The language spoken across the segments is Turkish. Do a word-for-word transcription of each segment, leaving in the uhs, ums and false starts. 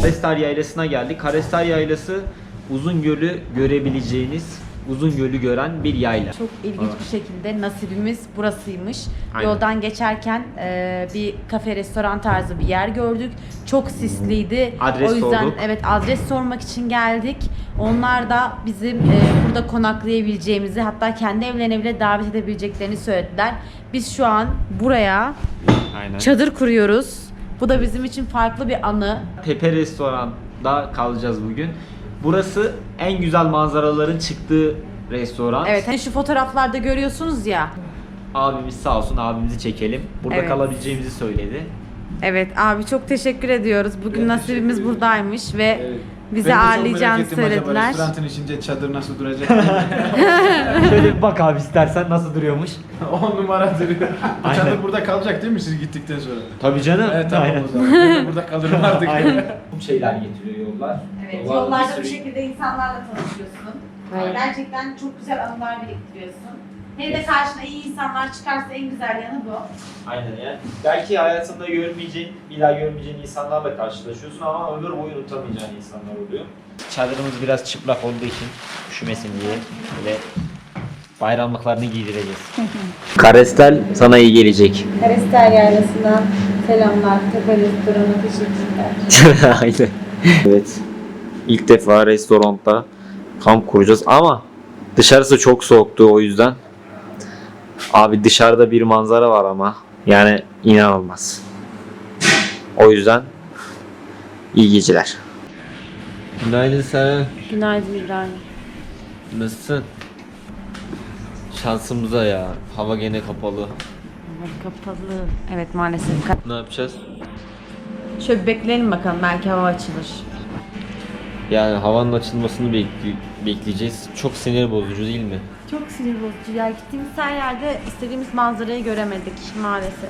Karestar Yaylası'na geldik. Karestar Yaylası Uzungöl'ü görebileceğiniz, Uzungöl'ü gören bir yayla. Çok ilginç bir şekilde nasibimiz burasıymış. Aynen. Yoldan geçerken e, bir kafe, restoran tarzı bir yer gördük. Çok sisliydi. Adres o yüzden sorduk. evet adres sormak için geldik. Onlar da bizim e, burada konaklayabileceğimizi, hatta kendi evlerine bile davet edebileceklerini söylediler. Biz şu an buraya Aynen. çadır kuruyoruz. Bu da bizim için farklı bir anı. Pepe Restoran'da kalacağız bugün. Burası en güzel manzaraların çıktığı restoran. Evet, hani şu fotoğraflarda görüyorsunuz ya. Abimiz sağ olsun, abimizi çekelim. Burada Evet. kalabileceğimizi söyledi. Evet abi, çok teşekkür ediyoruz. Bugün Evet, nasibimiz teşekkür ederim. buradaymış ve Evet. bizi Ben de çok merak ağırlayacağını ettim, acaba söylediler. restoranın içinde çadır nasıl duracak? Şöyle bir bak abi istersen nasıl duruyormuş. on numara duruyor. Bu Aynen. çadır burada kalacak değil mi siz gittikten sonra? Tabii canım. Evet tamam Aynen. o zaman. Ben de burada kalırım artık. Aynen. Bu şeyler getiriyor yollar. Evet, Yollarda yollarda bir bu sürü- şekilde insanlarla tanışıyorsun. Aynen. Gerçekten çok güzel anılar biriktiriyorsun. Hele de karşına iyi insanlar çıkarsa en güzel yanı bu. Aynen yani. Belki hayatında görmeyeceğin, bir daha görmeyeceğin insanlarla karşılaşıyorsun ama ömür boyu unutamayacağın insanlar oluyor. Çadırımız biraz çıplak olduğu için üşümesin diye böyle bayramlıklarını giydireceğiz. Karestel sana iyi gelecek. Karestel Yaylası'na selamlar. Tepe Restoran'a teşekkürler. Aynen. Evet. İlk defa restoranda kamp kuracağız ama dışarısı çok soğuktu o yüzden. Abi dışarıda bir manzara var ama yani inanılmaz. O yüzden iyi geceler. Günaydın sana. Günaydın İbrahim. Nasılsın? Şansımıza ya. Hava gene kapalı. Evet, kapalı. Evet maalesef. Ne yapacağız? Şöyle bir bekleyelim bakalım, belki hava açılır. Yani havanın açılmasını bekli- bekleyeceğiz. Çok sinir bozucu değil mi? Çok sinir bozucu ya. Gittiğimiz her yerde istediğimiz manzarayı göremedik maalesef.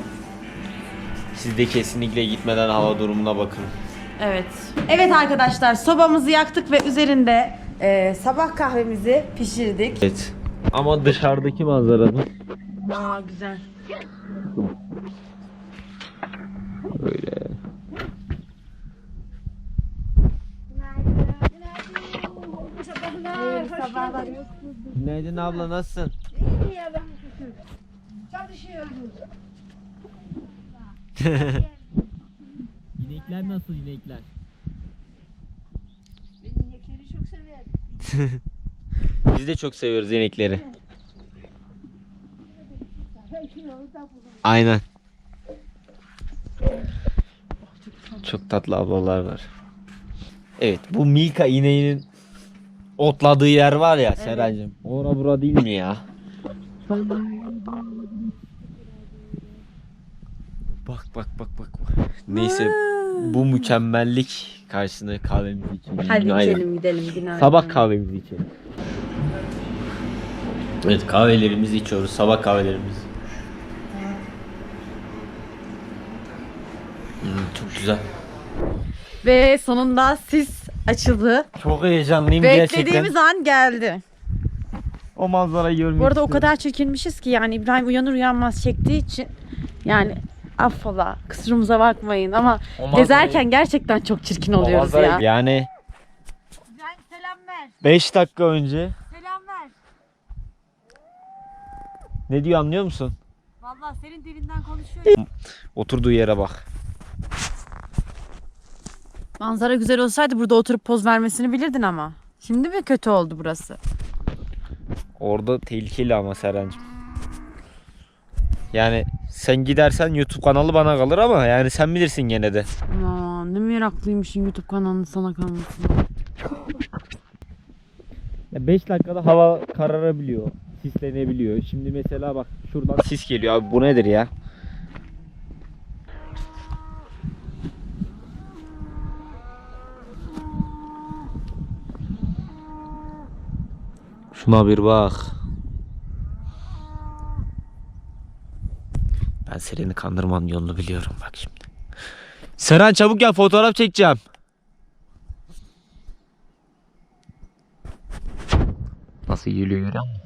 Siz de kesinlikle gitmeden hava durumuna bakın. Evet. Evet arkadaşlar, sobamızı yaktık ve üzerinde e, sabah kahvemizi pişirdik. Evet. Ama dışarıdaki manzaranın Aa güzel. böyle. Günaydın abla, nasılsın? İnekler nasıl inekler? İnekleri çok severim. Biz de çok seviyoruz inekleri. Aynen. Çok tatlı ablalar var. Evet, bu Milka ineğinin otladığı yer var ya Serencim. Ora bura değil mi ya? Bak bak bak bak. Neyse, bu mükemmellik karşısında kahvemizi içelim. Hadi Günaydın. gidelim gidelim. Günaydın. Sabah kahvemizi içelim. Evet, kahvelerimizi içiyoruz. Sabah kahvelerimizi. Hmm, çok güzel. Ve sonunda sis açıldı. Çok heyecanlıyım gerçekten. Beklediğimiz an geldi. O manzarayı görmek Bu arada o istiyorum. kadar çekilmişiz ki yani İbrahim uyanır uyanmaz çektiği için yani affola, kusurumuza bakmayın ama O manzarayı- gezerken gerçekten çok çirkin O oluyoruz manzarayı- ya. Yani İbrahim selam ver. beş dakika önce Selam ver. ne diyor anlıyor musun? Vallahi senin dilinden konuşuyor. Oturduğu yere bak. Manzara güzel olsaydı burada oturup poz vermesini bilirdin ama. Şimdi mi kötü oldu burası? Orada tehlikeli ama Serencim. Yani sen gidersen YouTube kanalı bana kalır ama yani sen bilirsin gene de. Aman ne meraklıymışsın YouTube kanalının sana kalmasına. beş dakikada hava kararabiliyor. Sislenebiliyor. Şimdi mesela bak şuradan sis geliyor abi, bu nedir ya? Şuna bir bak. Ben Seren'i kandırmanın yolunu biliyorum bak şimdi. Seren çabuk gel, fotoğraf çekeceğim. Nasıl geliyor görüyor musun?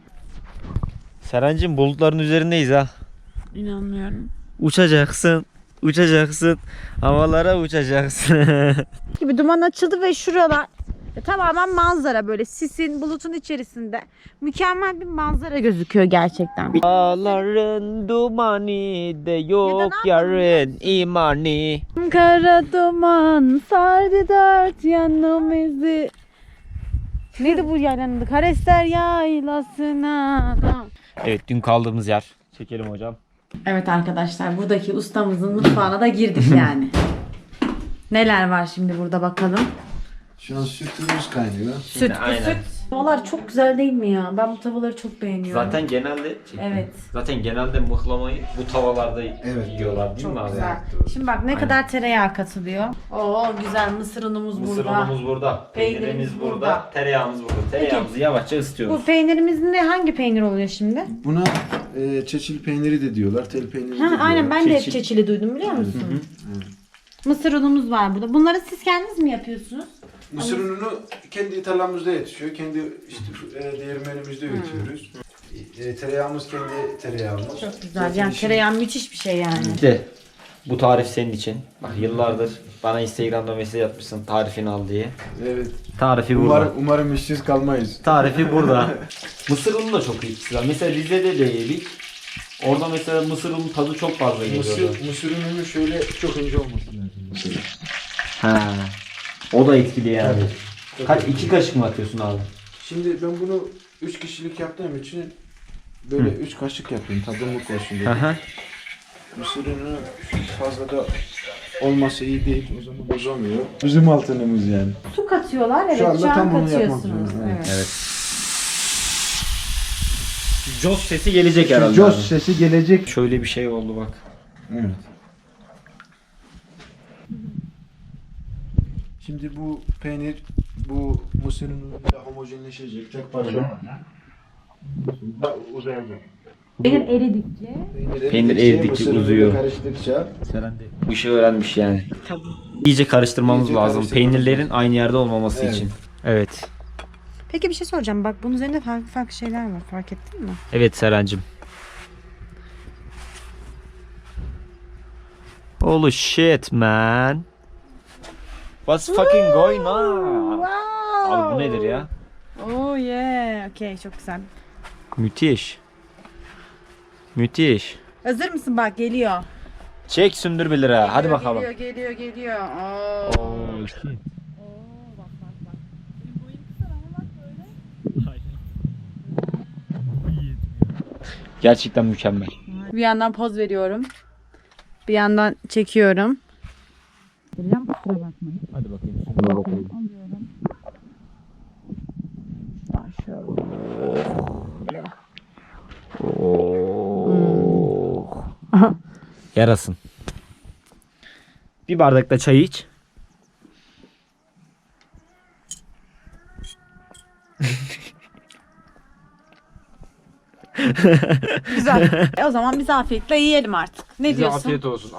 Serencim bulutların üzerindeyiz ha. İnanmıyorum. Uçacaksın. Uçacaksın. Havalara uçacaksın. Gibi duman açıldı ve şuralar e, tamamen manzara, böyle sisin, bulutun içerisinde mükemmel bir manzara gözüküyor gerçekten. Dağların dumanı de yok yarın imani. Kara duman sardı dört yanımızı. Neydi bu yaylanın adı? Karester yaylasına. Tamam. Evet, dün kaldığımız yer. Çekelim hocam. Evet arkadaşlar, buradaki ustamızın mutfağına da girdik yani. Neler var şimdi burada bakalım. Şu an sütümüz kaynıyor. Süt, aynen. süt. Tavalar çok güzel değil mi ya? Ben bu tavaları çok beğeniyorum. Zaten genelde Evet. Zaten genelde mıhlamayı bu tavallarda yiyorlar değil Çok mi abi? güzel. Şimdi bak ne Aynen. kadar tereyağı katılıyor. Oo güzel, mısır unumuz Mısır burada. unumuz burada, Peynirimiz peynirimiz burada, burada. tereyağımız burada. Tereyağımızı yavaşça ısıtıyoruz. Bu peynirimizin de hangi peynir oluyor şimdi? Buna e, çeçil peyniri de diyorlar, tel peyniri de Ha, diyorlar. aynen, ben de hep Çeçil. çeçili duydum biliyor musun? Mısır unumuz var burada. Bunları siz kendiniz mi yapıyorsunuz? Mısır ununu kendi tarlamızda yetişiyor. Kendi işte e, değirmenimizde üretiyoruz. E, tereyağımız kendi tereyağımız. Çok güzel. Yani tereyağı müthiş bir şey yani. İşte bu tarif senin için. Bak yıllardır bana Instagram'da mesaj atmışsın tarifini al diye. Evet. Tarifi burada. Umarım, umarım işsiz kalmayız. Tarifi burada. Mısır unu da çok iyi güzel. Mesela Rize'de de yedik. Orada mesela mısır unu tadı çok fazla geliyordu. Mısır, mısır ununun şöyle çok ince olması lazım. Mesela. Ha. O da etkili yani. Tabii. Kaç iki kaşık mı atıyorsun abi? Şimdi ben bunu üç kişilik yaptığım için böyle üç kaşık yapıyorum tadımlık olsun diye. Hı hı. Mısır unu fazla da olması iyi değil, o zaman bozamıyor. Bizim altınımız yani. Su katıyorlar. Evet, Şu anda şu an tam bunu yapmak katıyorsunuz. zorunda, evet. Evet. Evet. Jos sesi gelecek herhalde. Jos abi. sesi gelecek. Şöyle bir şey oldu bak. Evet. Şimdi bu peynir bu mısır unuyla homojenleşecek. Çok pardon. Uzayacak. Peynir eridikçe. Peynir eridikçe mısır unuyla uzuyor. Karıştıkça Bu işi öğrenmiş yani. İyice karıştırmamız İyice lazım. karıştırmamız Peynirlerin aynı yerde olmaması Evet. için. Evet. Peki bir şey soracağım. Bak bunun üzerinde farklı farklı şeyler var. Fark ettin mi? Evet Serencim. Holy shit man. What's fucking going on? Wow. Abi bu nedir ya? Oh yeah. Okey, çok güzel. Müthiş. Müthiş. Hazır mısın? Bak geliyor. Çek sündür bir lira. Hadi Geliyor, bakalım. Geliyor geliyor geliyor. Oo. Oh, shit. Gerçekten mükemmel. Bir yandan poz veriyorum. Bir yandan çekiyorum. Geliyor mu? Kusura bakmayın. Hadi bakayım. Sündür bakalım. Alıyorum. Şöyle. Oh. Yarasın. Bir bardak da çay iç. Güzel. E o zaman biz afiyetle yiyelim artık. Ne diyorsun? Afiyet olsun.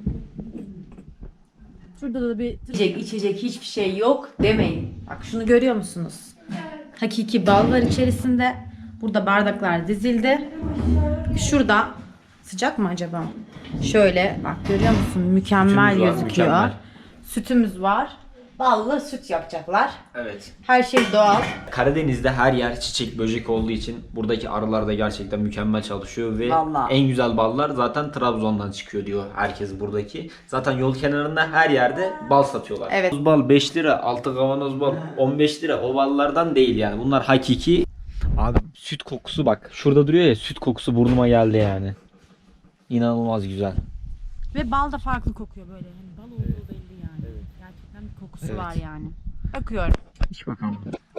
Şurada da bir yiyecek, içecek hiçbir şey yok demeyin. Bak şunu görüyor musunuz? Hakiki bal var içerisinde. Burada bardaklar dizildi. Şurada sıcak mı acaba? Şöyle bak görüyor musun? Mükemmel Sütümüz var, gözüküyor. mükemmel. Sütümüz var. Ballı süt yapacaklar. Evet. Her şey doğal. Karadeniz'de her yer çiçek böcek olduğu için buradaki arılar da gerçekten mükemmel çalışıyor ve Vallahi. en güzel ballar zaten Trabzon'dan çıkıyor diyor herkes buradaki. Zaten yol kenarında her yerde bal satıyorlar. Evet. Kavanoz bal beş lira, altı kavanoz bal on beş lira. O ballardan değil yani. Bunlar hakiki. Abi süt kokusu bak. Şurada duruyor ya, süt kokusu burnuma geldi yani. İnanılmaz güzel. Ve bal da farklı kokuyor böyle. Yani bal olduğu belli yani. Gerçekten bir kokusu Evet. var yani. Bakıyorum. Hiç bakalım.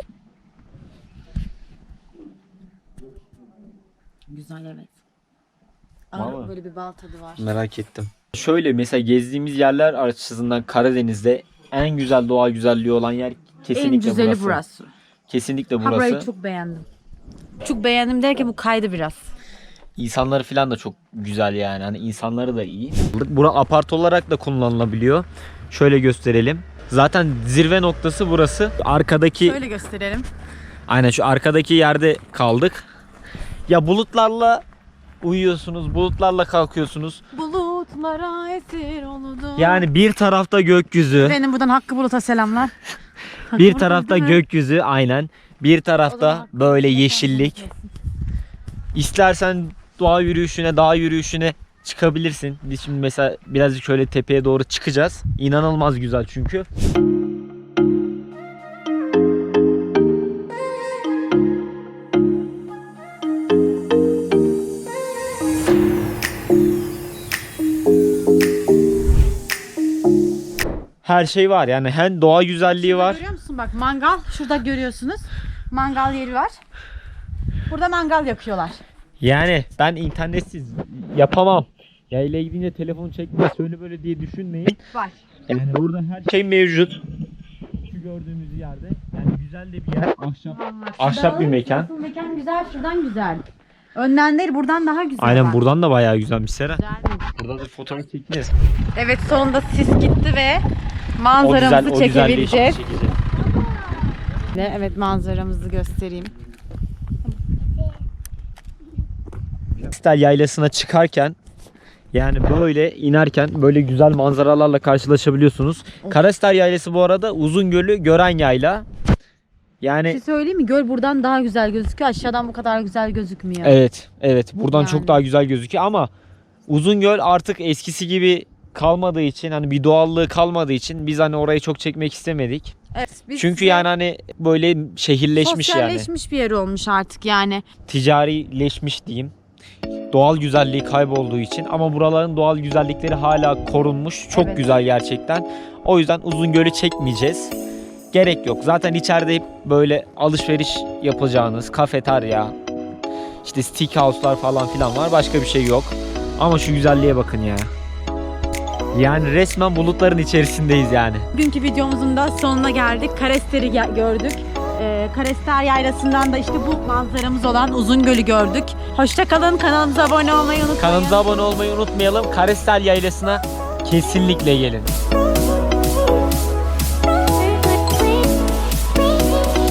Güzel evet. Vallahi. Ağır böyle bir bal tadı var. Merak ettim. Şöyle mesela gezdiğimiz yerler açısından Karadeniz'de en güzel doğa güzelliği olan yer kesinlikle En güzeli burası. burası. Kesinlikle Ha, burayı burası. çok beğendim. Çok beğendim derken bu kaydı biraz. İnsanları falan da çok güzel yani. Hani insanları da iyi. Bura apart olarak da kullanılabiliyor. Şöyle gösterelim. Zaten zirve noktası burası. Arkadaki Şöyle gösterelim. aynen şu arkadaki yerde kaldık. Ya bulutlarla uyuyorsunuz, bulutlarla kalkıyorsunuz. Bulut bulutlara esir oldu. Yani bir tarafta gökyüzü, Benim buradan Hakkı Bulut'a selamlar. bir tarafta gökyüzü aynen. Bir O zaman tarafta Hakkı böyle Bulut'a yeşillik. selam olsun. İstersen doğa yürüyüşüne, dağ yürüyüşüne çıkabilirsin. Biz şimdi mesela birazcık şöyle tepeye doğru çıkacağız. İnanılmaz güzel çünkü. Her şey var yani, hem doğa güzelliği var. Görüyor musun bak, mangal şurada görüyorsunuz. Mangal yeri var. Burada mangal yakıyorlar. Yani ben internetsiz yapamam. Yayla gidince telefonu çekme şöyle böyle diye düşünmeyin. Var. Yani burada her şey mevcut. Şu gördüğümüz yerde. Yani güzel de bir yer. Ahşap, ahşap bir mekan. Asıl mekan güzel, şuradan güzel. Önden değil, buradan daha güzel. Aynen bak. buradan da bayağı güzelmiş Sera. Güzel. Burada da fotoğraf çekeceğiz. Evet, sonunda sis gitti ve O manzaramızı güzel, o güzelliği çekebileceğiz. çekeceğiz. Evet, manzaramızı göstereyim. Karestel Yaylası'na çıkarken yani böyle inerken böyle güzel manzaralarla karşılaşabiliyorsunuz. Karestel Yaylası bu arada Uzungöl'ü gören yayla. Bir Yani şey söyleyeyim mi? Göl buradan daha güzel gözüküyor. Aşağıdan bu kadar güzel gözükmüyor. evet, evet buradan Yani. çok daha güzel gözüküyor ama Uzungöl artık eskisi gibi kalmadığı için, hani bir doğallığı kalmadığı için biz hani orayı çok çekmek istemedik. Evet, biz Çünkü size yani hani böyle şehirleşmiş yani. sosyalleşmiş bir yer olmuş artık yani. Ticarileşmiş diyeyim. Doğal güzelliği kaybolduğu için, ama buraların doğal güzellikleri hala korunmuş. Çok Evet. güzel gerçekten. O yüzden Uzungöl'ü çekmeyeceğiz. Gerek yok. Zaten içeride hep böyle alışveriş yapacağınız kafeterya, işte steakhouse'lar falan filan var. Başka bir şey yok. Ama şu güzelliğe bakın ya. Yani resmen bulutların içerisindeyiz yani. Bugünkü videomuzun da sonuna geldik. Karester'i ge- gördük. Ee, Karester Yaylası'ndan da işte bu manzaramız olan Uzungöl'ü gördük. Hoşça kalın. Kanalımıza abone olmayı unutmayın. Kanalımıza abone olmayı unutmayalım. Karestel Yaylası'na kesinlikle gelin.